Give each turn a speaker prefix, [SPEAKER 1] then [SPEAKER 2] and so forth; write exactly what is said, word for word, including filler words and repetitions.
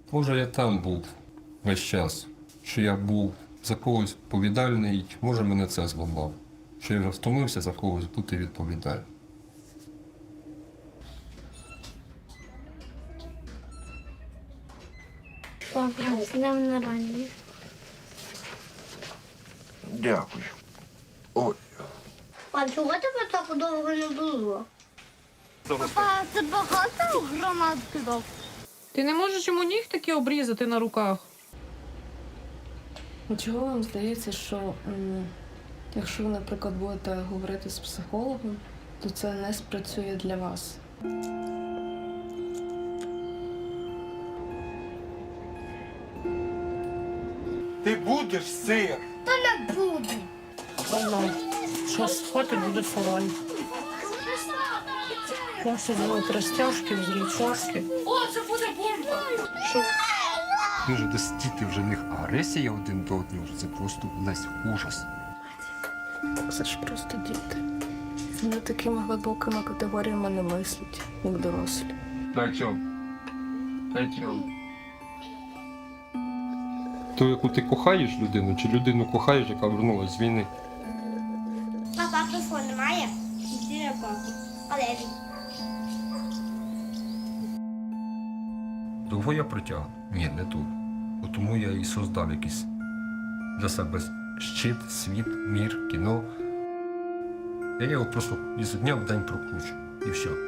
[SPEAKER 1] Може, я там був весь час, що я був за когось відповідальний, може мене це зламав, що я вже втомився за когось бути відповідальним.
[SPEAKER 2] Папа, з днем народження.
[SPEAKER 3] Дякую. Ой.
[SPEAKER 2] А чого тебе так довго не було? Папа, це багато гранат кидав?
[SPEAKER 4] Ти не можеш йому нігтики обрізати на руках?
[SPEAKER 5] А чого вам здається, що м, якщо ви, наприклад, будете говорити з психологом, то це не спрацює для вас?
[SPEAKER 3] Ти будеш сир?
[SPEAKER 2] Не буду.
[SPEAKER 4] Зараз схватить, буде фораль. Зараз зробить розтяжки, взрічашки.
[SPEAKER 1] Дуже десь діти вже в них агресія один до одного, це просто весь ужас.
[SPEAKER 5] Це ж просто діти. Вони такими глибокими категоріями не мислять, як дорослі.
[SPEAKER 1] На чому? На чому? Ту, яку ти кохаєш людину, чи людину кохаєш, яка вернулася з війни?
[SPEAKER 2] Папа, телефон немає? Іди, папа. Але він.
[SPEAKER 1] Довго я протягну? Ні, не тут. От тому я і создав якийсь для себе щит, світ, мір, кіно. Я його просто із дня в день прокручу. І все.